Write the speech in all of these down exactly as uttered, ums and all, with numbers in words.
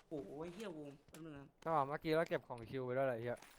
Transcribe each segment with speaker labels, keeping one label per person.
Speaker 1: โอ้ยเฮียวงแป๊บนึงนะ
Speaker 2: ก็เมื่อกี้เราเก็บของคิวไปด้วยอะไรเฮีย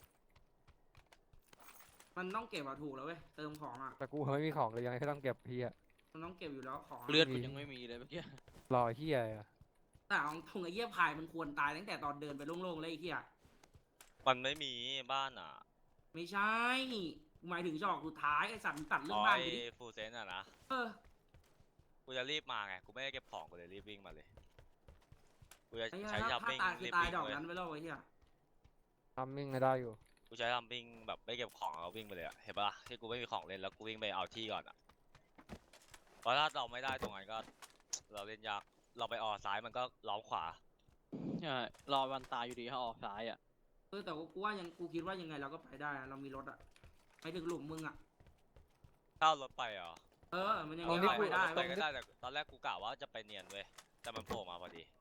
Speaker 1: มันต้องเก็บอะถูกแล้วเว้ยเติมของอะ
Speaker 2: แต่กูไม่มีของเลยยังไงก็ต้องเก็บเฮีย
Speaker 1: มันต้องเก็บอยู่แล้วของอะ
Speaker 3: เลือดกูยังไม่มีเลยเมื่อกี้
Speaker 2: รอเฮียอะ
Speaker 1: แต่เอาทงไอ้เหี้ยพายมันควรตายตั้งแต่ตอนเดินไปโล่งๆเลยไอ้เหี้ย
Speaker 4: มันไม่มีบ้านอ่ะ
Speaker 1: ไม่ใช่หมายถึงจอกสุดท้ายไอ้สัตว์มึงตัดเรื่
Speaker 4: อ๋
Speaker 1: อ
Speaker 4: อง
Speaker 1: บ้าน
Speaker 4: ไอ้
Speaker 1: ไปดิ
Speaker 4: ฟูลเซนอ่ะนะ
Speaker 1: เออ
Speaker 4: กูจะรีบมาไงกูไม่ได้เก็บของกูเลยรีบวิ่งมาเลยกูจะ
Speaker 1: ไอ้เหี้ย
Speaker 4: ใช้
Speaker 1: ถ้า
Speaker 4: ทัม
Speaker 1: ถ้า
Speaker 4: มิ่ง
Speaker 1: ตายคือ
Speaker 4: รีบ
Speaker 1: ตาย
Speaker 4: วิ่ง
Speaker 1: ดอก
Speaker 4: เลย
Speaker 1: นั้นไปแล้วไอ้เหี้ย
Speaker 2: ทำมิ่งก็ได้อยู่
Speaker 4: กูใช้ทัมมิ่งแบบไม่เก็บของแล้ววิ่งไปเลยอะเห็นปะล่ะที่กูไม่มีของเล่นแล้วกูวิ่งไปเอาที่ก่อนอ่ะเพราะถ้าเราไม่ได้ตรงนั้นก็ เราเล่นยากเราไปออกซ้ายมันก็ล้อมขวา
Speaker 3: ใช่รอวันตายอยู่ดีถ้าออกซ้ายอ่ะ
Speaker 1: เออแต่ว่ากูว่ายังกูคิดว่ายังไงเราก็ไปได้อะเรามีรถอะไปถึงหลุมมึงอะ
Speaker 4: ถ้าเอารถไปเหรอ
Speaker 1: เออมันยัง
Speaker 4: เอา
Speaker 1: ไง
Speaker 4: รถ
Speaker 1: ก็
Speaker 4: ไป
Speaker 1: ไปได้
Speaker 4: รถไป
Speaker 1: เว้ย
Speaker 4: ก็ได้แต่ตอนแรกกูกะว่าจะไปเนียนเว้ยแต่มันโผล่มาพอดี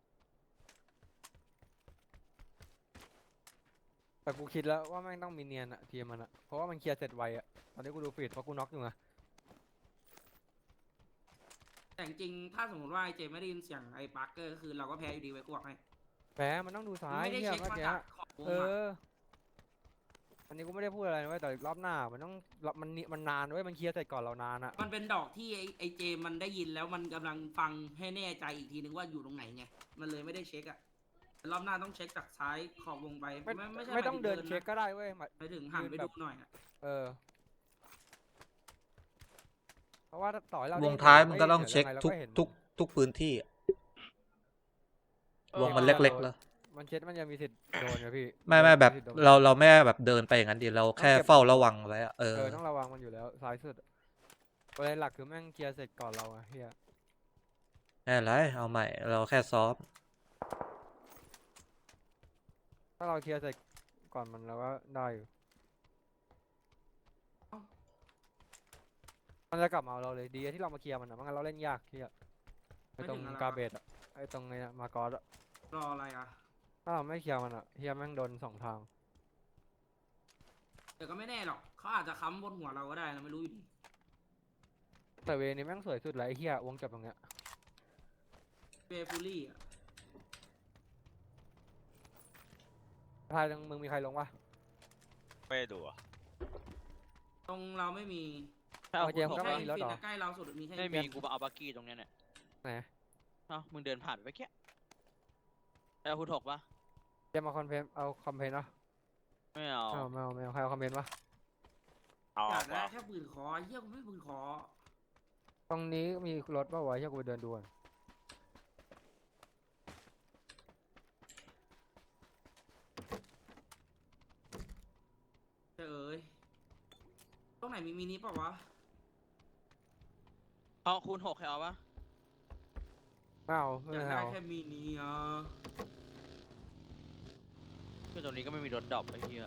Speaker 2: แต่กูคิดแล้วว่าแม่งต้องมีเนียนอะทีมมันอะเพราะว่ามันเคลียร์เสร็จไวอะตอนนี้กูดูฟีดเพราะกูน็อกอยู่ไง
Speaker 1: แต่จริงๆถ้าสมมติว่าไอ้เจไม่ได้ยินเสียงไอ้ปาร์เกอร์ก็คือเราก็แพ้อยู่ดีไว้กูบอกให้
Speaker 2: แพ้มันต้องดูซ้าย
Speaker 1: ไม่ได้
Speaker 2: เฮีย
Speaker 1: เช็ค
Speaker 2: เมื่อ
Speaker 1: มา
Speaker 2: กี้
Speaker 1: จากขอบวง
Speaker 2: เอ
Speaker 1: อะ
Speaker 2: ออันนี้กูไม่ได้พูดอะไรนะเว้ยแต่รอบหน้ามันต้องมันมันนานเว้ยมันเคลียร์เสร็จก่อนเรานานอะ
Speaker 1: มันเป็นดอกที่ไอ้ไอ้เจมันได้ยินแล้วมันกำลังฟังให้แน่ใจอีกทีนึงว่าอยู่ตรงไหนไงมันเลยไม่ได้เช็คอะรอบหน้าต้องเช็คจากซ้ายขอบวงไป
Speaker 2: ไม่
Speaker 1: ไม่ไม่ใช่
Speaker 2: ไม่ต้อง
Speaker 1: หายถึ
Speaker 2: เดิน
Speaker 1: นะ
Speaker 2: เช็คก็ได้เว้ยหมาย
Speaker 1: ไปถึงหันไปดูหน่อยอะ
Speaker 2: เออเพราะว่าต่อให้เรา
Speaker 5: ว
Speaker 2: ได้
Speaker 5: ง
Speaker 2: ยิน
Speaker 5: ท้าย
Speaker 2: สี
Speaker 5: มัน
Speaker 2: ง
Speaker 5: ก็ต้อง
Speaker 2: ฮ้ย
Speaker 5: เช็ค
Speaker 2: ดี๋ยวยังไงรา
Speaker 5: ทุก
Speaker 2: เห็น
Speaker 5: ทุกทุกพื้นที่อะ
Speaker 3: เออ
Speaker 5: วงมันเล็กๆแล้ว
Speaker 2: มันเช็ดมันยังมีสิทธิ์โดนไงพี่
Speaker 5: ไม่ไม่แบบ
Speaker 2: สิทธิ์โดน
Speaker 5: เราเราไม่แบบเดินไปอย่างนั้นดีเราแค่เฝ้าระวังไว้อะเอ
Speaker 2: เอ
Speaker 5: อ
Speaker 2: อต้องระวังมันอยู่แล้วซ้ายสุดประเด็นหลักคือแม่งเคลียร์เสร็จก่อนเราอะเฮีย
Speaker 5: ไม่เป็นไรเอาใหม่เราแค่ซ้อม
Speaker 2: ถ้าเราเคลียร์เสร็จก่อนมันเราก็ได้อยู่มันจะกลับมาเอาเราเลยดีที่เรามาเคลียร์มันอะไม่งั้นเราเล่นยากเฮียไอตรงกาเบตอะไอตรงไงนะมากอสอะ
Speaker 1: รออะไรอะ
Speaker 2: ถ้าเราไม่เคลียร์มันอะเฮียแม่งโดนสองทาง
Speaker 1: แต่ก็ไม่แน่หรอกเขาอาจจะค้ำบนหัวเราก็ได้เราไม่รู้อยู่ดี
Speaker 2: แต่เวนี้แม่งสวยสุดเลยไอเฮียวงจบตรงเนี้ย
Speaker 1: เบฟูลี่อะ
Speaker 2: ทายตรงมึงมีใครลงวะ
Speaker 4: ไม่ได้ดูอ่ะ
Speaker 1: ตรงเราไม่มี
Speaker 3: ถ้าเอา
Speaker 2: เอาเจมส์
Speaker 3: คุณ
Speaker 2: ก็
Speaker 3: ห
Speaker 1: แค่
Speaker 3: ก
Speaker 2: มี
Speaker 1: อิน
Speaker 2: รถ
Speaker 1: ฟิ
Speaker 2: เหรอ
Speaker 1: นใกล้เราสุดมีแค่
Speaker 3: ไม่
Speaker 1: อิน
Speaker 3: มี
Speaker 1: ฟิน
Speaker 3: กูมาเอาบักกี้ตรงเนี้ยเนี่ย
Speaker 2: ไหน
Speaker 3: เอ้ามึงเดินผ่านไปเมื่อกี้เอาคุณหกปะ
Speaker 2: เจมมาคอนเพนเอาคอมเพนวะ
Speaker 3: ไม่เอา
Speaker 2: ไม่เอาไม่เอาไม่เอาใครเอาคอมเพนวะ
Speaker 4: เอา
Speaker 1: อยา
Speaker 4: เอา
Speaker 1: กได้
Speaker 4: เอา
Speaker 1: แค่ปืนคอเฮียกูไม่ปืนคอ
Speaker 2: ตรงนี้มีรถป่าวะเฮียกูไปเดินดูก่อน
Speaker 1: เอ้ยตรงไหนมีมินิเปล่าวะ
Speaker 3: เอาคูณหกใครเอาปะ
Speaker 2: ไม่เอาไม่
Speaker 1: อยาก
Speaker 2: เอา
Speaker 1: ได้แค่มินิอ่ะ
Speaker 3: คือตรงนี้ก็ไม่มีรถดรอปไอ้เหี้ย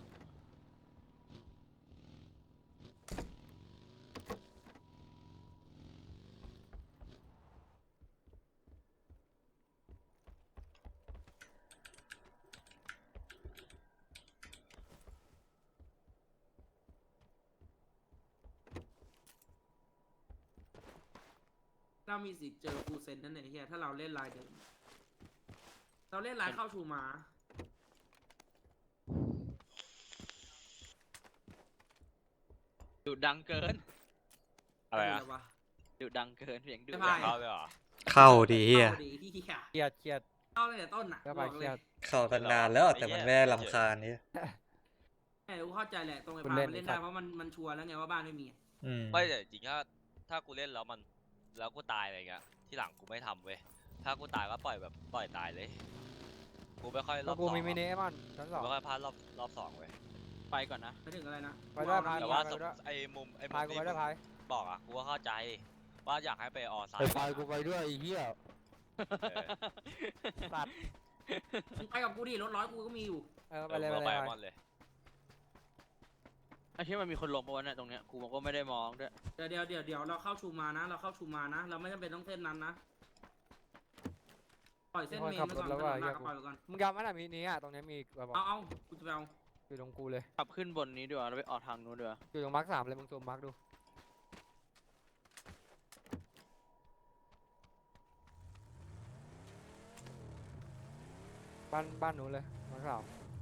Speaker 1: เรามีสิทธิ์เจอฟูเซนนั่นเองเฮียถ้าเราเล่นลายเดิมเราเล่นลายเข้าชูมา
Speaker 3: ดุดังเกิน
Speaker 4: อะไรอะ
Speaker 1: เดี๋ยววะ
Speaker 3: ดุดังเกินเสียงดุ
Speaker 1: ไม่
Speaker 3: ดั
Speaker 1: พาย
Speaker 3: ง
Speaker 4: เข้าเลยเหรอ
Speaker 5: เข้าดีเฮีย
Speaker 1: เข้าดีที่เฮีย
Speaker 2: เครียดเครียด
Speaker 1: เข้าตั้งแต่ต้นอ่ะ
Speaker 2: ก็
Speaker 1: บ
Speaker 2: ไป
Speaker 1: อก
Speaker 2: เค
Speaker 1: เล
Speaker 2: รี
Speaker 1: ย
Speaker 2: ยด
Speaker 5: เข้าตั้งนานแล้วแต่มันไม่ได้ลำคาญนี่
Speaker 1: แม่รู้เข้าใจแหละตรงไอ้
Speaker 2: คุณ
Speaker 1: พา
Speaker 2: เล่น
Speaker 1: มันเล่น
Speaker 2: ไอ้สั
Speaker 1: ได้
Speaker 2: ตว์
Speaker 1: เพราะมันมันชัวร์แล้วไงว่าบ้านไม่มีอะ
Speaker 5: อืม
Speaker 4: ไม่แต่จริงๆถ้าถ้ากูเล่นแล้วมันแล้วกูตายอะไรเงี้ยที่หลังกูไม่ทำเว้ยถ้ากูตายก็ปล่อยแบบปล่อยตายเลยกูไม่ค่อยร
Speaker 2: แล้
Speaker 4: อ
Speaker 2: ว
Speaker 4: บ
Speaker 2: กู
Speaker 4: สอง
Speaker 2: มีมินิ
Speaker 4: อะ
Speaker 2: ไอ้มันชั้นส
Speaker 4: กู
Speaker 2: อง
Speaker 4: ไม่ค่อยพลาดรอบรอบสองเว้ย
Speaker 3: ไปก่อนนะ
Speaker 1: ไปถึงอะไรนะ
Speaker 2: ไปได้พาย
Speaker 4: แต่
Speaker 1: กู
Speaker 4: ว่า
Speaker 1: เอ
Speaker 4: สม
Speaker 1: มินิ
Speaker 4: ไอ้มุมไอ้มุ
Speaker 2: พาย
Speaker 4: ม
Speaker 2: กู
Speaker 4: ที่
Speaker 2: ไปได้พาย
Speaker 4: บอกอ่ะกูก็เข้าใจว่าอยากให้ไปออซ้าย
Speaker 2: ไปพายกูไปด้วยไอ้เหี้ย
Speaker 4: เออ
Speaker 2: สัตว์
Speaker 1: มึงไปกับกูดิรถร้อยกูก็มีอยู่
Speaker 2: เออไป
Speaker 4: เออ
Speaker 2: เลย
Speaker 4: กู
Speaker 2: ไป
Speaker 4: ก็
Speaker 2: เลยไป
Speaker 4: ไปมอนเลย
Speaker 3: ไอ้เชี่ยมันมีคนลงปะวะเนี่ยตรงเนี้ยกูก็ไม่ได้มองด้วย
Speaker 1: เดี๋ยวเดี๋ยวเดี๋ยวเดี๋ยวเราเข้าชูมานะ เราเข้าชูมานะ เราไม่จำเป็นต้องเส้นนั้นนะปล่อยเส้นเมนไปก่อนถนนหลักปล่อยไปก่อน
Speaker 2: มึงจำไหมล่ะมินิอ่ะตรงนี้มีแบบบอก
Speaker 1: เอาเอากูจะไปเอา
Speaker 2: อยู่ตรงกูเลย
Speaker 3: ขับขึ้นบนนี้ดีกว่าเราไปออกทางนู้นดีกว่า
Speaker 2: อยู่ตรงมาร์คสามเลยมึงซูมมาร์คดูบ้านบ้านนู้นเลยมาสาม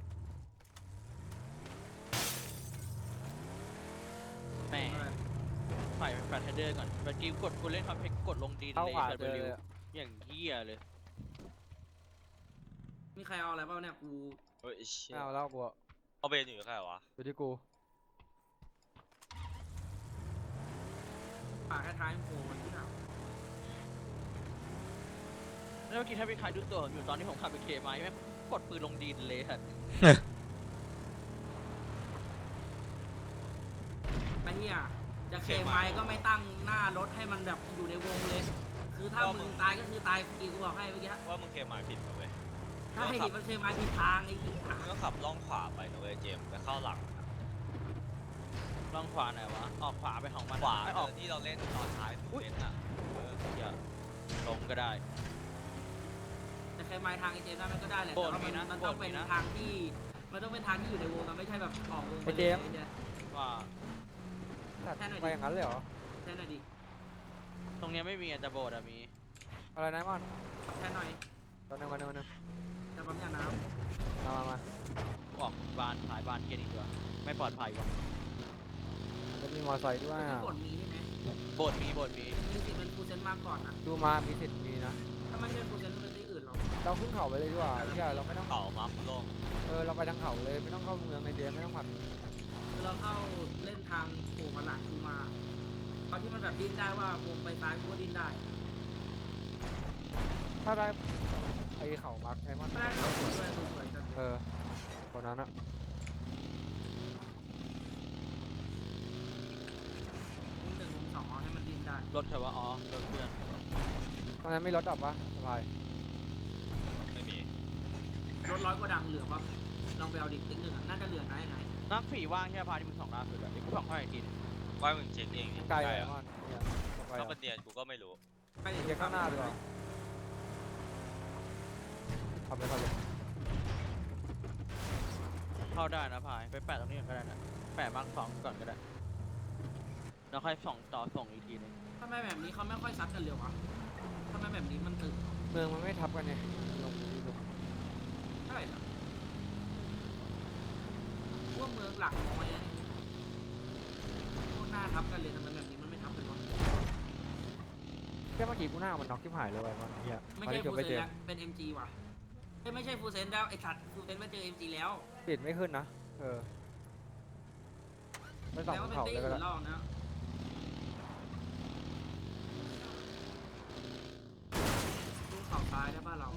Speaker 3: แม่ฝ่ายแฟลชเดอร์ก่อนเมื่อกี้กดกูเล่นคอมเพล็กซ์กดลงดีเล
Speaker 2: เข้าย ขวา
Speaker 3: แบบ
Speaker 2: เจอ
Speaker 3: เร็
Speaker 2: เล
Speaker 3: วย
Speaker 2: อะ
Speaker 3: อย่างเหี้ยเลย
Speaker 1: มีใครเอาอะไรบ้างเนี่ยกู
Speaker 4: เฮ้ยไอ้เชี่ย
Speaker 2: ไม่เอาแล้วกูอะ
Speaker 4: เอาเบนอยู่แค่ไหนวะ
Speaker 2: อยู่ที่กู
Speaker 1: ปากท้ายๆโผล่มันที่หนาว
Speaker 3: แล้วเมื่อกี้ถ้าพี่ใครดูตัวผมอยู่ตอนที่ผมขับไปเคไม้แม่งกดปืนลงดินเลยฮะ
Speaker 1: ไอ้เหี้ยจะเคไม้ก็ไม่ตั้งหน้ารถให้มันแบบอยู่ในวงเลย คือถ้ามึงตายก็คือตายฟรีกูบอกให้เมื่อกี้
Speaker 4: ว่ามึงเคมาผิดนะเว้ย
Speaker 1: ใช่มันเคไม้ผิดทางไอ้เหี้ย
Speaker 4: มึงก็ขับล่องขวาไปนะเว้ยเจมส์ไปเข้าหลัง
Speaker 3: ลองขวาหน่อยวะออกขวาไปของมัน
Speaker 4: ขวา
Speaker 3: ไม่
Speaker 4: เอ
Speaker 3: ออก
Speaker 4: อที่เราเล่นตอนท้ายมึงเล่นอ่ะเออ
Speaker 3: อย่าลงก็ได้
Speaker 1: จะเคไม้ทางไอ้เจมส์ได้มันก็ได้แหละ
Speaker 3: โบ
Speaker 1: แต่
Speaker 3: น
Speaker 1: ว่า
Speaker 3: มี
Speaker 1: มัน
Speaker 3: นะ
Speaker 1: มัน
Speaker 3: โบ
Speaker 1: ต้อง
Speaker 3: น
Speaker 1: เป็
Speaker 3: มี
Speaker 1: น
Speaker 3: นะ
Speaker 1: ทางที่มันต้องเป็นทางที่อยู่ในวงมันไม่ใช่แบบออกวงไป
Speaker 2: ไอ้
Speaker 1: เล
Speaker 2: เจ
Speaker 1: ย
Speaker 2: มส์
Speaker 1: ไอ้เนี่ย
Speaker 3: ว่า
Speaker 2: ตัด
Speaker 1: แค่ไหนดิ
Speaker 2: ไปอย่างนั้นเลยเหรอ
Speaker 1: แค่หน่อยดิ
Speaker 3: ตรงเนี้ยไม่มีอะแต่โบสถ์อะมี
Speaker 2: อะไรนะมัน
Speaker 1: แค่หน่อย
Speaker 2: ตอนนึงวันนึงวันนึง
Speaker 1: จะปั๊มยาน้
Speaker 2: มามามา
Speaker 3: ออกบานขายบานเกียร์อีกตัวไม่ปลอดภัยวะ
Speaker 2: จะมีมอเตอร์ไซค์
Speaker 1: ำ
Speaker 2: ด้วย
Speaker 1: ที่
Speaker 2: อะ
Speaker 1: กดมีใช่ไหม
Speaker 3: โบสถ์มีโบสถ์มี
Speaker 1: มีสิทธิ์เป็นฟูเซนมากก่อนนะ
Speaker 2: ดูมามีสิทธิ์มีนะ
Speaker 1: ถ้าไม่ใช่ฟูเซนเป็นที่อื่นหรอก
Speaker 2: เราขึ้นเขาไปเลยดีกว่าไอ้เหี้ยเราไม่ต้อง
Speaker 4: เขามาโล่ง
Speaker 2: เออเราไปทางเขาเลยไม่ต้องเข้าเมืองในเดียไม่ต้องผัด
Speaker 1: คือเราเข้าเล่นทางโผล่มาหลังกูมาตอนที่มันแบบดิ้นได้ว่าวงไปซ้ายกูก็ดิ้นได้
Speaker 2: ถ้าได้ไอเขามักไอ้มัน
Speaker 1: ไม่ได้เขาสวยด้วยสวยจัง
Speaker 2: เออคนนั้นอะ
Speaker 1: วงหนึ่งวงสองเอาให้มันดิ้นได้
Speaker 3: รถเถอะวะอ๋อรถเพื่อน
Speaker 2: ตอนนั้นไม่รถดับปะสบาย
Speaker 4: ไม่มี
Speaker 1: รถร้อยกว่าดังเหลือปะลองไปเอาดิติ๊กหนึ่งอะน่าจะเหลือไหนไหน
Speaker 3: นักผีว่างแค่พาที่มึงสองล่าสุดอะเดี๋ยวกูส่องให้อีกทีนึง
Speaker 4: ว่ามึงเช็คเองนี่
Speaker 2: ไกล
Speaker 4: ใกล้
Speaker 2: ไอ้
Speaker 4: อะ
Speaker 2: มันเนี่ยไป
Speaker 4: ถ้า
Speaker 2: อะ
Speaker 4: เป็นเนียนกูก็ไม่รู้
Speaker 1: ไปเดี๋ยว
Speaker 2: เดี๋ยวข้างหน้าดีกว่าขับเลยขับเลย
Speaker 3: เข้าได้นะพายไปแปะตรงนี้ก่อนก็ได้นะแปะมาร์คสองก่อนก็ได้แล้วค่อยส่องต่อส่งอีกทีนึง
Speaker 1: ทำไมแบบนี้เขาไม่ค่อยซัดกันเร็ววะทำไมแบบนี้มันตึง
Speaker 2: เมืองมันไม่ทับกันไงลงดีลง
Speaker 1: เท่าไหร่ล่ะพวกเมืองหลักน้อยนะพวกหน้าทับกันเลยทำไมแบบนี้มันไม่ทับกันวะ
Speaker 2: แค่เมื่อกี้กูหน้ามันน็อกที่หายเลยไอ้มันเฮีย
Speaker 1: ไม่
Speaker 2: ตอน
Speaker 1: ใช่
Speaker 2: ที่เกื
Speaker 1: ฟู
Speaker 2: อบไป
Speaker 1: เซ
Speaker 2: เจ
Speaker 1: น
Speaker 2: อ
Speaker 1: แล้วเป็น เอ็ม จี ว่ะเอ้ยไม่ใช่ฟูเซนแล้วไอสัตว์ฟูเซนมาเจอ เอ็ม จี แล้ว
Speaker 2: ปิดไม่ขึ้นนะเออไปส่อง
Speaker 1: แล้ว
Speaker 2: บ
Speaker 1: ก็
Speaker 2: น
Speaker 1: เป็น
Speaker 2: เขา
Speaker 1: ตี
Speaker 2: เลยก็
Speaker 1: อื่
Speaker 2: ได้
Speaker 1: นรอบนะดูเข่าซ้ายได้ป่ะเรา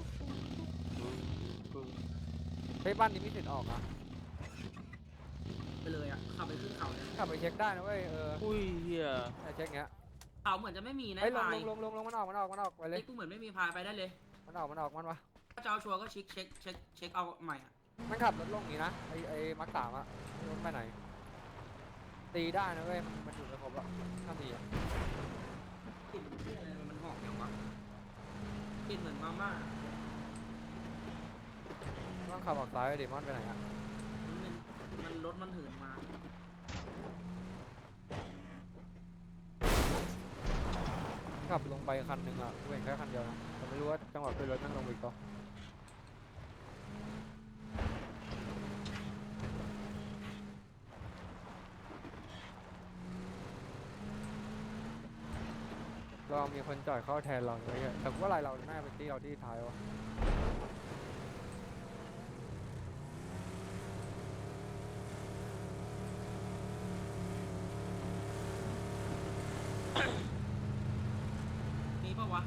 Speaker 2: เฮ้ยบ้านนี้มีสิทธิ์ออกอ่ะ
Speaker 1: ไปเลยอ่ะขับไปขึ้นเขาเลย
Speaker 2: กลับไปเช็คได้นะเว้ยเออ
Speaker 3: อุ้ยเฮีย
Speaker 2: ไอเช็คเงี้ย
Speaker 1: เขาเหมือนจะไม่มีนะ
Speaker 2: เฮ้ยลง
Speaker 1: พาย
Speaker 2: ลงลงลงลงมันออกมันออกมันออกไปเลย
Speaker 1: ไอ้กูเหมือนไม่มีพายไปได้เลย
Speaker 2: มันออกมันออกมันวะ
Speaker 1: ถ้าจะเอาชัวร์ก็เช็คเช็คเช็คเช็คเอาใหม่อ่ะ
Speaker 2: มันขับรถลงอย่างนี้นะไอไอมักสามอะรถไปไหนตีได้นะเว้ยมันมันอยู่ในครบแล้วถ้าตีอะ
Speaker 1: กลิ่นเหี้ยอะไรมันหอมอย่างวะกลิ่นเหมือนมาม่า
Speaker 2: ต้องขับออกซ้ายไปดิมันไปไหนอะ
Speaker 1: มันเป็นมันรถมันหืนมา
Speaker 2: ขับลงไปคันหนึ่งอะกูเห็นแค่คันเดียวนะแต่ไม่รู้ว่าจังหวะขึ้นรถนั่งลงไปอีกต่อเรามีคนจ่อยเข้าแทนเราเลยอะแต่กูว่าอะไรเราน่าจะเป็นที่เราที่ท้ายวะ
Speaker 1: มีปะวะ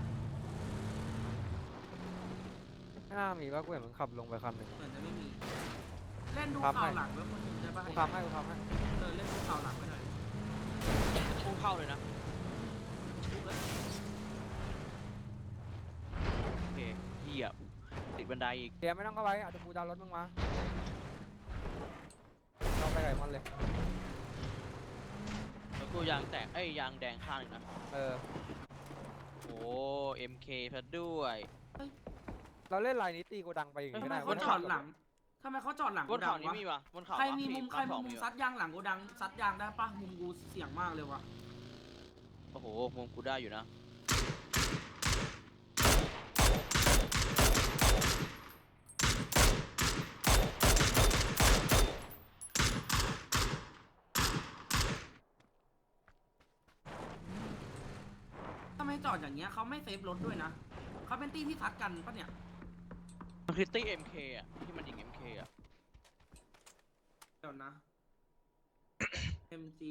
Speaker 2: ไม่น่ามีว่ากูเห็นมันขับลงไปคันหนึ่ง
Speaker 1: เหมือนจะไม่มี เล่นดู
Speaker 2: ครับ
Speaker 1: ข่าว
Speaker 2: ให้
Speaker 1: หลังไว้คนหนึ่งได้ปะ
Speaker 2: กูทำให้กูทำให้
Speaker 1: เออเล่นดูข่าวหลังไว้หน่อย
Speaker 3: พุ่งเข้าเลยนะ
Speaker 1: ดูเลย
Speaker 3: โอเคเฮียติดบันไดอีก
Speaker 2: เดี๋ยวไม่ต้องเข้าไปอาจจะกูดาวรถมึงมาเราไปไก่มันเลย
Speaker 3: แล้วกูยางแตกเอ้ยยางแดงข้างหนึงนะ
Speaker 2: เออ
Speaker 3: โอ้เอ็มเคซะด้วย
Speaker 2: เราเล่นลายนี้ตีกูดังไปอย่าง
Speaker 1: ทำ
Speaker 2: นี้
Speaker 1: ไม
Speaker 2: ได้
Speaker 1: เขาจอดหลังทำไมเขาจอดหลัง
Speaker 3: บ
Speaker 1: โก
Speaker 3: น
Speaker 1: ดั
Speaker 3: เขา
Speaker 1: ง
Speaker 3: นี้
Speaker 1: วะ
Speaker 3: มีวะบนเขา
Speaker 1: ใครมี
Speaker 3: วะ
Speaker 1: มุม
Speaker 3: พี่
Speaker 1: ใคร
Speaker 3: ส
Speaker 1: มี
Speaker 3: อง
Speaker 1: มุม
Speaker 3: วะ
Speaker 1: ซัดยางหลังโกดังซัดยางได้ปะมุมกูเสี่ยงมากเลยวะ
Speaker 3: โอ้โหมุมกูได้อยู่นะ
Speaker 1: จอดอย่างเงี้ยเขาไม่เซฟรถด้วยนะเขาเป็นตี้ที่ทัดกันปะเนี่ย
Speaker 3: มันคือตี้เอ็มเคอ่ะที่มันยิงเอ็มเคอ่ะ
Speaker 1: เดี๋ยวนะ เอ็ม จี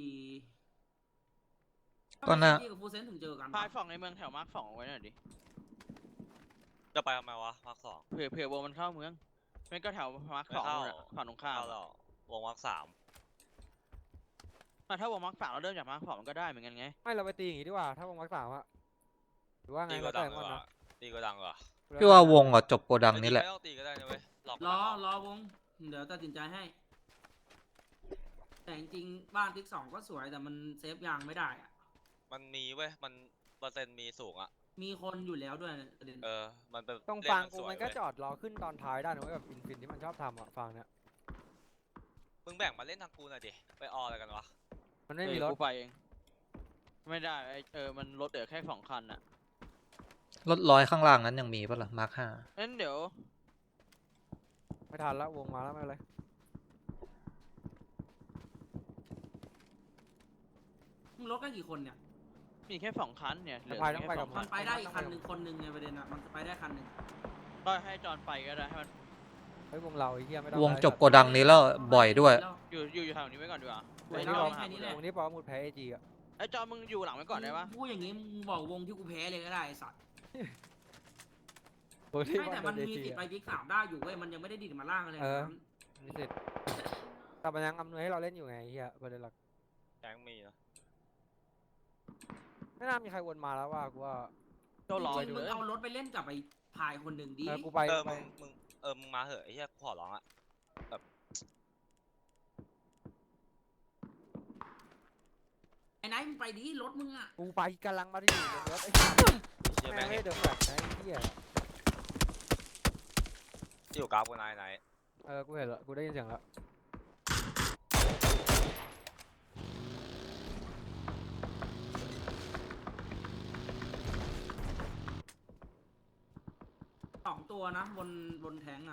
Speaker 5: ก็น่า
Speaker 1: ที่กับฟูเซนถึงเจอกัน
Speaker 3: พาย
Speaker 1: ปะ
Speaker 3: ฝั่งในเมืองแถวมาร์คสองเอาไว้หน่อยดิ
Speaker 4: จะไปทำไมวะมาร์คสอง
Speaker 3: เผื่อเผื่อวงมันเข้าเมืองไม่ก็แถวมาร์ค
Speaker 4: ไม่
Speaker 3: สอง
Speaker 4: เข้า
Speaker 3: นู่นอะฝั่งตรงข้าม
Speaker 4: เข้าแล้ววงมาร์คสาม
Speaker 3: อ่ะถ้าวงมาร์คสามเราเริ่มจากมาร์คสองมันก็ได้เหมือนกันไง
Speaker 2: ไม่เราไปตีอย่างงี้ดีกว่าถ้าวงมักสามอะหรือว่าไง
Speaker 4: ตีก็
Speaker 2: แล้ว
Speaker 4: ดั
Speaker 2: แต่
Speaker 4: ง
Speaker 2: มัน
Speaker 4: กว่า
Speaker 2: นะ
Speaker 4: ตีก็ดังกว่า
Speaker 5: พี่ว่าวงอ่ะจบโกดังนี้แหละ
Speaker 4: ไม่ต้องตีก็ได้นะเว้ยรอ
Speaker 1: รอรอวง เดี๋ยวตัดสินใจให้ แต่จริงๆบ้านติ๊กสองก็สวยแต่มันเซฟยางไม่ได้อะ
Speaker 4: มันมีเว้ยมันเปอร์เซ็นต์มีสูงอ่ะ
Speaker 1: มีคนอยู่แล้วด้วยประเด็น
Speaker 4: เออมันเป็น
Speaker 2: ตรง
Speaker 4: เล่น
Speaker 2: ฟาง
Speaker 4: มัน
Speaker 2: กู
Speaker 4: สวย
Speaker 2: มันก็
Speaker 4: เว้ย
Speaker 2: จอดรอขึ้นตอนท้ายได้นะเว้ยแบบอินฟินที่มันชอบทำอะฟางเนี้ย
Speaker 4: มึงแบ่งมาเล่นทางกูหน่อยดิไปอออะไรกันวะ
Speaker 2: มันไม่มีรถ
Speaker 3: เออกูไปเองไม่ได้ไอเออมันรถเหลือแค่สองคันอ่ะ
Speaker 5: รถร้อยข้างล่างนั้นยังมีปะล่ะมาร์คห้า
Speaker 3: งั้นเดี๋ยว
Speaker 2: ไม่ทันแล้ววงมาแล้วไม่เป็นไร
Speaker 1: มึงรถกันกี่คนเนี่ย
Speaker 3: มีแค่สองคันเนี่ยเหลือ
Speaker 2: พายต้อง
Speaker 3: แค่
Speaker 2: ไป
Speaker 3: ส
Speaker 2: กั
Speaker 3: อบ ง
Speaker 2: มั
Speaker 3: คั
Speaker 1: มัน นไปได้อีกคันหนึ่งคนหนึ่งไงประเด็นอะมันไปได้คันหนึ่ง
Speaker 3: ก็ให้จอนไปก็ได้ให้มัน
Speaker 2: เฮ้ยวงเราไอ้เหี้ยไม่ต้อง
Speaker 5: วง
Speaker 2: อะไร
Speaker 5: จบโกดังนี้แล้วบ่อยด้วย
Speaker 3: อยู่อยู่อยู่แถวนี้ไว้ก่อนดีกว่า
Speaker 1: สวย
Speaker 3: ไอ้
Speaker 1: แล้ว
Speaker 3: ที่เรา
Speaker 1: แค่นี้แหละ
Speaker 2: วงนี้ปอมุดแพ้เอจีอะ
Speaker 3: ไอ้จอนมึงอยู่หลังไว้ก่อนได้ปะ
Speaker 1: พูดอย่างงี้มึงบอกวงที่กูแพ้เลยก็ได้ไอ้สัตว์
Speaker 2: วงที่
Speaker 1: ไม่แต่
Speaker 2: โด
Speaker 1: มัน
Speaker 2: เอ
Speaker 1: มี
Speaker 2: จี
Speaker 1: สิทธิ์ไป
Speaker 2: อะ
Speaker 1: บิ๊กสามได้อยู่เว้ยมันยังไม่ได้ดิดมาล่างอะไร
Speaker 2: เออ
Speaker 1: นั้น
Speaker 2: มีสิทธิ์แต่มันยังอำนวยให้เราเล่นอยู่ไงไอ้เหี้ยประเด็นหลัก
Speaker 4: แก๊งมีนะ
Speaker 2: ไม่น่ามีใครวนมาแล้วว่ากูว่า
Speaker 3: เจ้ารอ
Speaker 1: จ
Speaker 3: ไป
Speaker 1: ริง
Speaker 3: ดู
Speaker 1: ๆมึง
Speaker 3: เลย
Speaker 1: เอารถไปเล่นกับไอ้พายคนหนึ่งดิ
Speaker 2: เออกูไป
Speaker 4: เออ
Speaker 2: ไป
Speaker 4: มึงมึงเออมึงมาเหอะไอ้เหี้ยกูขอร้องอ่ะ
Speaker 1: ไอ้ไนท์มึงไปดิรถมึงอะ
Speaker 2: กูไปกำลังมาที่อยู่บนรถไอ้เหี้ย
Speaker 4: ไอ้เหี้ย
Speaker 2: แม่
Speaker 4: แม่
Speaker 2: ง
Speaker 4: ง
Speaker 2: ไม่
Speaker 4: เห็
Speaker 2: ได้
Speaker 4: น
Speaker 2: เดือดแบบนะไอ้เหี้ย
Speaker 4: ที่อยู่กราฟกูนายไหน
Speaker 2: เออกูเห็นแล้วกูได้ยินเสียงแล้ว
Speaker 1: สองตัวนะบนบนแทงอะ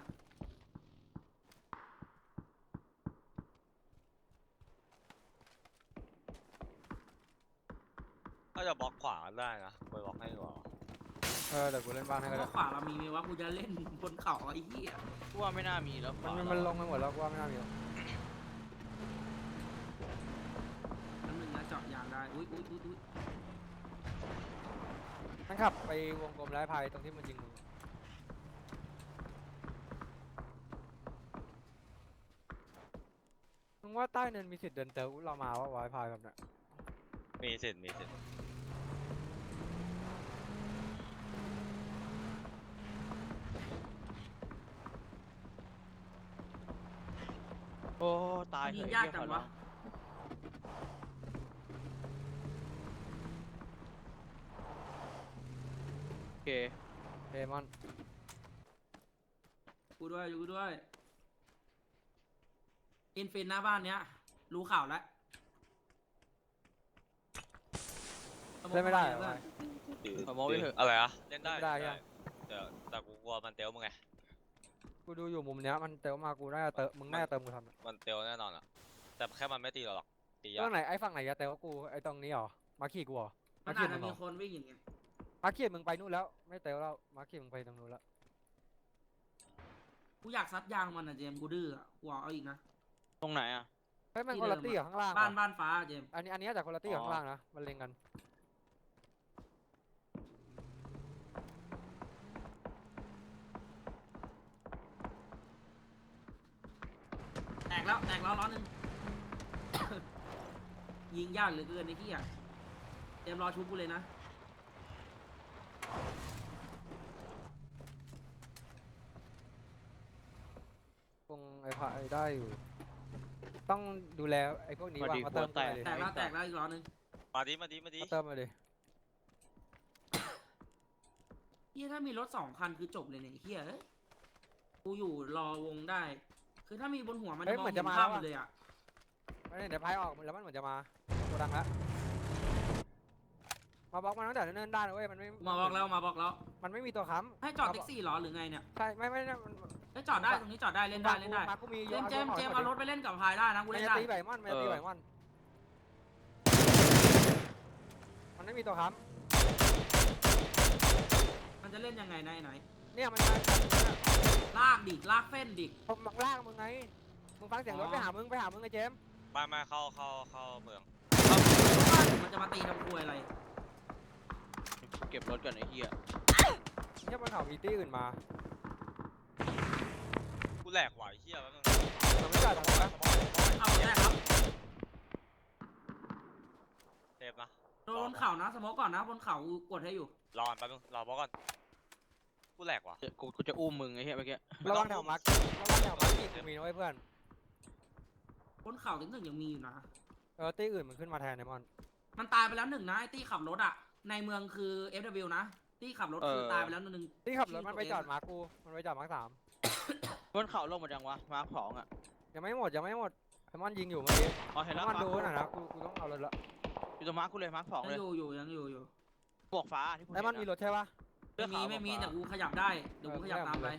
Speaker 4: ก็จะบล็อกขวาได้นะไปบล็อกให้ก่อน
Speaker 2: เออเดี๋ยวกูเล่นบ้านให้ก็
Speaker 1: เพ
Speaker 2: ได้
Speaker 1: ราะขวาเรามีไหมว่ากูจะเล่นบนเขาไอ้เหี้ย
Speaker 3: กูว่าไม่น่ามีแล้ว
Speaker 2: มัน
Speaker 3: ขวา
Speaker 2: มันมันลงไปหมดแล้วกูว่าไม่น่ามีหรอก
Speaker 1: นั่นหนึ่งนะเจาะยางได้อุ้ยอุ้ยอุ้ยอุ้ย
Speaker 2: มันขับไปวงกลมไร้พายตรงที่มันยิงมึงมึงว่าใต้เนินมีสิทธิ์เดินเตอร์เรามาว่าไวพายแบบเนี้ย
Speaker 4: มีสิทธิ์มีสิทธิ์
Speaker 3: โอ้ตาย
Speaker 1: ยิ
Speaker 3: เถ
Speaker 1: ง
Speaker 3: อะ
Speaker 1: ยาก
Speaker 3: ไอ้
Speaker 1: จั
Speaker 3: เหี้
Speaker 1: ง
Speaker 3: ยขอร้
Speaker 1: วะ
Speaker 3: อง โอเค
Speaker 2: เดมอน
Speaker 1: กูด้วยกูด้วยอินฟินหน้าบ้านเนี้ยรู้ข่าวแล้ว
Speaker 2: เล่นไม่ได้เหรอ
Speaker 1: เพื่อน
Speaker 2: วาย
Speaker 3: ขอโม้ไปเถอะ
Speaker 4: อะไรอะเล่นได้
Speaker 2: เล่นไม่ได้
Speaker 4: เล่น
Speaker 2: ยัง
Speaker 4: แต่แต่กูกลัวมันเตลมึงไง
Speaker 2: กูดูอยู่มุมเนี้ยมันเติมมากูน่าจะเติมมึงน่าจะเติมกูทันอะ
Speaker 4: มันเตลแน่นอนอ่ะแต่แค่มันไม่ตีเราหรอกตียา
Speaker 2: เรื่
Speaker 4: ก
Speaker 2: องไหนไอ้ฝั่งไหนจะเติมกูไอ้ตรงนี้เหรอมาขี่กูเหรอ
Speaker 1: มั
Speaker 2: มาน ขี่
Speaker 1: อาจ
Speaker 2: มึ
Speaker 1: จะ
Speaker 2: งเหรอ
Speaker 1: มีคนวิ่งอย่างเงี้ย
Speaker 2: มาขี่มึงไปนู่นแล้วไม่เติมแล้วมาขี่มึงไปตรงนู้นแล้ว
Speaker 1: กูอยากซัดยางมันอะเจมส์กูดื้ออะกูเอาอีกนะ
Speaker 3: ตรงไหนอ่ะ
Speaker 2: เฮ้ยมัน
Speaker 1: ที่
Speaker 2: คนละ
Speaker 1: เดิม
Speaker 2: ตี้
Speaker 1: อะ
Speaker 2: กับข้างล่าง
Speaker 1: บ้าน
Speaker 2: ว่ะ
Speaker 1: บ้านฟ้าอะเจมส์
Speaker 2: อันนี้อันนี้จากคนละตี้กับ
Speaker 3: อ๋อ
Speaker 2: ข้างล่างนะมันเล็งกัน
Speaker 1: แตกแล้วแตกแล้วล้อหนึ่ง ยิงยากเหลือเกินไอ้ที่อ่ะเจมส์รอชุบกูเลยนะ
Speaker 2: คงไอ้พายได้อยู่ ต้องดูแลไอ้พวกนี้
Speaker 3: พอ
Speaker 2: วาง
Speaker 3: ดี
Speaker 2: มาเติม
Speaker 3: หัวแต
Speaker 2: กูห
Speaker 3: ก
Speaker 2: น่อยดิ
Speaker 1: แตกแล้วแตกแล้วอีกล้อหนึ่ง
Speaker 4: มาดิมาดิมาดิ
Speaker 2: มาเติมมาดิ
Speaker 1: เฮียถ้ามีรถสองคันคือจบเลยเนี่ยเฮียเอ้ยกูอยู่รอวงได้ คือถ้ามีบนหัวมันจะมองเห็นภาพหมดเลยอ่ะ
Speaker 2: ไม่ได้เดี๋ยวพายออกแล้วมันเหมือนจะมาโกดังแล้วมาบล็อกมันตั้งแต่เนิ่นๆได้นะเว้ยมันไม่
Speaker 1: มาบอกแล้วมาบอกแล้ว
Speaker 2: มันไม่มีตัวค้
Speaker 1: ให้จอดแท็กซี่เหรอหรือไงเนี่ย
Speaker 2: ำใช่ไม่ไม่ไม่มัน
Speaker 1: ให้จอดได้ตรงนี้จอดได้เล่นได้เล่นได้
Speaker 2: มากูมี
Speaker 1: เจมส์เจมส์เจมส์เอารถไปเล่นกับพายได้นะกู
Speaker 2: มัน
Speaker 1: เล่น
Speaker 2: จะ
Speaker 1: ได้
Speaker 2: ตีไหวมอนมันจะตีไหวมอนมันไม่มีตัวค้ำ
Speaker 1: มันจะเล่นยังไงนายไหน
Speaker 2: เนี่ยมันมาจากตรงนั้นอะ
Speaker 1: ลากดิลากเส้นดิ
Speaker 2: ผมมังล่างมึงไงมึงฟังเสียงรถ
Speaker 1: อ๋อ
Speaker 2: ไปหามึงไปหามึงไอ้เจมส์
Speaker 4: มามาเข้าเข้าเข้าเมือง
Speaker 1: มันจะมาตีทำควยอะไร
Speaker 3: เก็บรถก่อนไอ้เหี้ย
Speaker 2: เนี่ยบนเขามีตี้อื่นมา
Speaker 4: กูแหลกไหวเฮียแล้วนึง
Speaker 2: เราไม่จอดตรงนั้นนะ
Speaker 1: เอาแรกครับ
Speaker 4: เทปนะ
Speaker 1: โดนบนเขานะสโมกก่อนนะบนเขากดให้อยู่
Speaker 4: รอแป๊บนึงรอบล็อกก่อนกูแหลกว่ะ
Speaker 3: เดี๋ยวกูกูจะอุ้มมึงไอ้เหี้ยเมื่อกี้
Speaker 2: ระวังแถวมาร์คระวังแถวมาร์คอีกกูมีนะเว้ยเพื่อน
Speaker 1: บนเขาถึงหนึ่งยังมีอยู่นะ
Speaker 2: เออตี้อื่นมันขึ้นมาแทนไอมอน
Speaker 1: มันตายไปแล้วหนึ่งนะไอ้ตี้ขับรถอะในเมืองคือ เอฟ ดับเบิลยู นะตี้ขับรถคือตายไปแล้วหนึ่ง
Speaker 2: ตี้ขับรถมันไปจอดมาร์คกูมันไปจอดมาร์คสาม
Speaker 3: บนเขาลงหมดยังวะมาร์คสองอ่ะ
Speaker 2: ยังไม่หมดยังไม่หมดไอมอนยิงอยู่เมื่อกี้
Speaker 3: อ๋อเห็น
Speaker 2: ไอ
Speaker 3: แล้ว
Speaker 2: มอน
Speaker 3: มาร์ค
Speaker 2: ดูหน่อยนะกูกูต้องเอารถละ
Speaker 3: อยู่ตรงมาร์คกูเลยมาร์คสอง
Speaker 1: ยั
Speaker 3: เลย
Speaker 1: งอยู่อยู่ยังอยู่อยู่
Speaker 3: บวกฟ้าที่กู
Speaker 2: ไอมอนมี
Speaker 3: เห็ะ
Speaker 2: รถใช่ปะ
Speaker 3: เสื้
Speaker 1: ไม่
Speaker 3: อ
Speaker 1: มี
Speaker 3: ขาว
Speaker 1: ไม่มี
Speaker 3: บอก
Speaker 1: แต่
Speaker 3: ว่า
Speaker 1: กูขยับได้เดี๋ยวกูขยับตามไป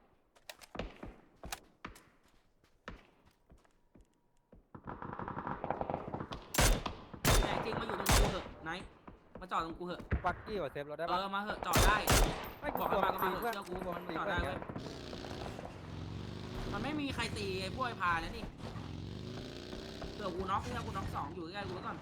Speaker 1: แต่จริงมาอยู่ตรงกูเหอะไหนมาจอดตรงกูเหอะ
Speaker 2: ปักกี้ว่าเซฟรถได้
Speaker 1: เอ
Speaker 2: ปะ
Speaker 1: อมาเหอะจอดได้
Speaker 2: ไม่
Speaker 1: บอก
Speaker 2: กลั
Speaker 1: ให้
Speaker 2: ว
Speaker 1: มา
Speaker 2: มัน
Speaker 1: ก็
Speaker 2: ตี
Speaker 1: มาเห
Speaker 2: เพื่อน
Speaker 1: อะเชื่อกู
Speaker 2: กลัวมันตี
Speaker 1: จอด
Speaker 2: เพื่อ
Speaker 1: ได้
Speaker 2: น
Speaker 1: เว้ยมันไม่มีใครตีไอ้พวกไอ้พาแล้วนี่เดี๋ยวกูน็อกเนี่ยกูน็อกสองอยู่ใกล้ๆกูไว้ก่อน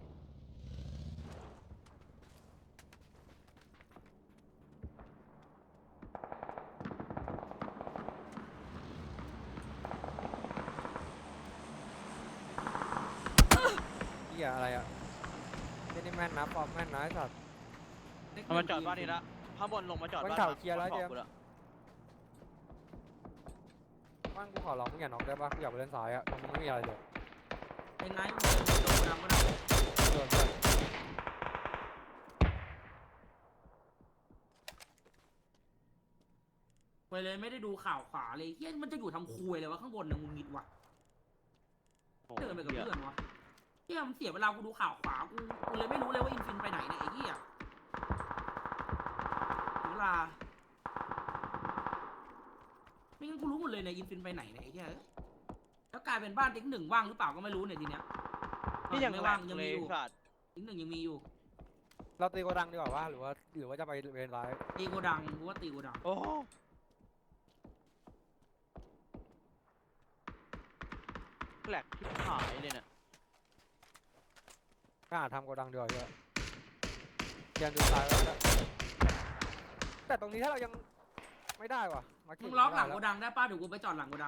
Speaker 2: เหี้ยอะไรอ่ะไม่ได้แม่นนะปอมแม่นนะไอ้สัตว์
Speaker 3: มันมาจอดบ้านนี้ละข้างบนลงมาจอด
Speaker 2: บน
Speaker 3: บ้าน
Speaker 2: เขา
Speaker 3: มาร์ค
Speaker 2: เคลียร์แล้ว
Speaker 3: บน
Speaker 2: เจมส์
Speaker 3: กูละ
Speaker 2: บ้านกูขอร้องมึงอย่าน็อกได้ปะกูอยากไปเล่นสายอ่ะตรงนี้ไม่มีอะไรเลย
Speaker 1: ไอ้ไนท์มึงเดินโดนกูดำก็ได้
Speaker 2: โดนเพื่อน
Speaker 1: ไปเลยไม่ได้ดูข่าวขวาเลยเฮียมันจะอยู่ทำคุยเลยวะข้างบนนะมึงมิดวะ
Speaker 3: โอ้
Speaker 1: เดินไปกับ
Speaker 3: เหี้ย
Speaker 1: เพื่อนวะเฮียมันเสียเวลากูดูข่าวขวากูกูเลยไม่รู้เลยว่าอินฟินไปไหนเนี่ยไอ้เฮียถึงเวลาไม่งั้นกูรู้หมดเลยเนี่ยอินฟินไปไหนเนี่ยไอ้เฮียแล้วกลายเป็นบ้านติ๊กหนึ่งว่างหรือเปล่าก็ไม่รู้เนี่ยทีเนี้ย
Speaker 3: นี่ยัง
Speaker 1: ไม่
Speaker 3: แหล
Speaker 1: ว่าง
Speaker 3: ก
Speaker 1: ยัง
Speaker 3: เล
Speaker 1: มี
Speaker 3: ย
Speaker 1: อยู่
Speaker 3: สัตว์
Speaker 1: ติ๊กหนึ่งยังมีอยู่
Speaker 2: เราตีโกดังดีกว่าว่าหรือว่าหรือว่าจะไปเวนไลท์
Speaker 1: ตีโกดังกูว่าตีโกดัง
Speaker 3: โอ้แหลกที่หายเลยเนี่ย
Speaker 2: ก็หาทำโกดังดีกว่าเยอะเตรียมดูซ้ายไว้แล้วแต่ตรงนี้ถ้าเรายังไม่ได้ว่ะมา
Speaker 1: มึงล็อกหลังโกดังได้ป้าเดี๋ยวกูไปจอดหลังโกดัง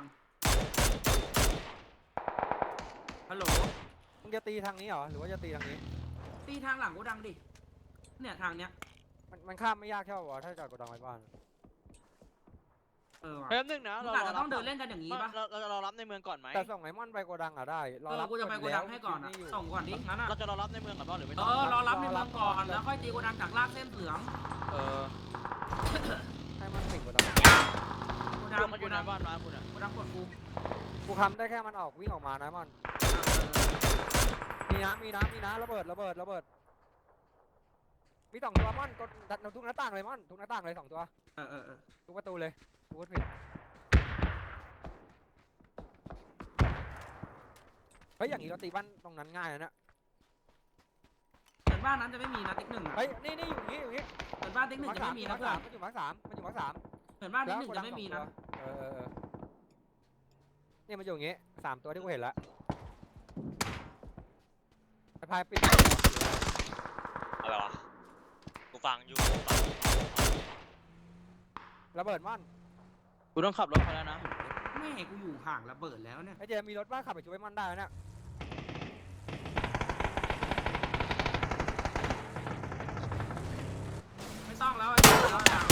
Speaker 1: ฮัลโหล
Speaker 2: มึงจะตีทางนี้เหรอหรือว่าจะตีทางนี้
Speaker 1: ตีทางหลังโกดังดิเนี่ยทางเนี้ย
Speaker 2: มันมันข้ามไม่ยากแค่วะถ้าจอดโกดังไว้บ้าน
Speaker 1: เออว่ะ
Speaker 3: แป๊บนึงนะ
Speaker 1: มึง
Speaker 3: เรา
Speaker 1: อาจจะ
Speaker 3: เรา
Speaker 1: ต้องเดินเล่นกันอย่างนี้
Speaker 3: นี้
Speaker 1: ปะ
Speaker 3: เราเราเรารับในเมืองก่อนไหม
Speaker 2: แต่ส่งไอมอนไปโกดังอ่ะได้รอ
Speaker 1: เออ
Speaker 2: รับ
Speaker 1: กูจะไปโกดังให้ก่อนอ่ะ
Speaker 2: ยู่
Speaker 1: ส่งก่อนดิงั้นอ่ะ
Speaker 3: เราจะรอรับในเมืองก่อนป่ะหรือไม่
Speaker 1: เอ
Speaker 3: ต้อง
Speaker 1: อรอรับในเมืองก่อนแล้วค่อยตีโกดังจากลากเส้นเหลือง
Speaker 3: เออ
Speaker 2: ให้มันถึงโกดัง
Speaker 1: โกดัง
Speaker 3: เรื่องมันอ
Speaker 1: โก
Speaker 3: ยู่ใน
Speaker 1: ดัง
Speaker 3: บ้านมาคุณอ่ะ
Speaker 1: โกดังกดกู
Speaker 2: กูทำได้แค่มันออกวิ่งออกมานะมอนมีนะมีนะมีนะระเบิดระเบิดระเบิดมีสองตัวมอนกดทุกหน้าต่างเลยมอนทุกหน้าต่างเลยสองตัว
Speaker 1: เออเออเออ
Speaker 2: ทุกประตูเลยกูพูดผิดเฮ้ยอย่างนี้เราตีบ้านตรงนั้นง่ายนะเนี่ย
Speaker 1: เหมือนบ้านนั้นจะไม่มีนะติ๊กหนึ่งอ่ะ
Speaker 2: เฮ้ยนี่นี่อยู่นี่อยู่นี่
Speaker 1: เหมือนบ้านติ๊กหนึ่งจะไม่มีนะ
Speaker 2: มา
Speaker 1: เพื่อ
Speaker 2: สาน มมันอยู่มาร์คสามมันอยู่มาร์คสาม
Speaker 1: เหมือนบ้านติ๊กหนึ่งจะไม่มีนะ
Speaker 2: เออเออเออเนี่ยมันอยู่อย่างงี้สามตัวที่กูเห็นแล้วไอ้พายปิด
Speaker 4: อะไรวะกูฟังอยู่กูฟังอยู่
Speaker 2: ระเบิดม่อน
Speaker 3: กูต้องขับรถไปแล้วนะ
Speaker 1: แม่กูอยู่ห่างระเบิดแล้วเนี่ย
Speaker 2: ไอ้เจมมีรถบ้าขับไปช่วยม่อนได้นะเนี่ย
Speaker 1: ไม่ต้องแล้วไอ้เหี้ยเราห่าง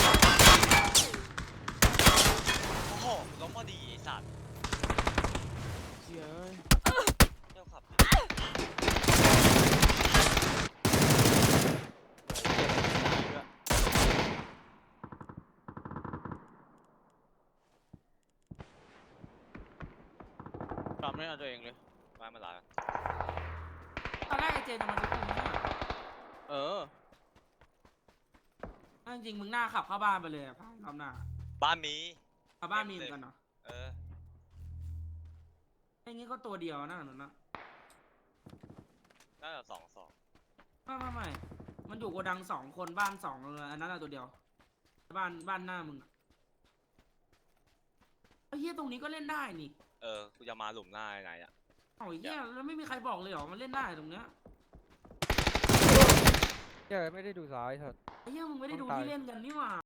Speaker 4: โอ้โหล้มพอดีไอ้สัตว์
Speaker 3: เฮ้ย
Speaker 4: เที่ยวขับ
Speaker 3: ทำไม่เอาตัวเองเลย
Speaker 4: มาไม่หลาย
Speaker 1: ตอนแรกไอ้เจนจะมาชุบกูไม่ใช่เหรอ
Speaker 3: เออ
Speaker 1: ถ้าจริงๆมึงหน้าขับเข้าบ้านไปเลยอะพายรอบหน้า
Speaker 4: บ้านมี
Speaker 1: เข้าบ้านมีเหมือนกันเหรอ
Speaker 4: เออ
Speaker 1: ไอ้งี้ก็ตัวเดียวนะนั่นนะ
Speaker 4: น่าจะสองสอง
Speaker 1: ไม่ไม่ไม่มันอยู่โกดังสองคนบ้านสองเลยอันนั้นอะตัวเดียว บ้านบ้านหน้ามึงอะไอ้เหี้ยตรงนี้ก็เล่นได้นี่
Speaker 4: เออกูจะมาหลุมหน้าไหนอ่ะ
Speaker 1: เอ้าไอ้เหี้ยแล้วไม่มีใครบอกเลยเหรอมันเล่นได้ตรงเนี้ย
Speaker 2: เจ้ไม่ได้ดูซ้ายเถอะ
Speaker 1: ไอ้เหี้ยมึงไม่ได้ดู
Speaker 2: ต้องตาย
Speaker 1: ที่เล่นกันนี่หว่า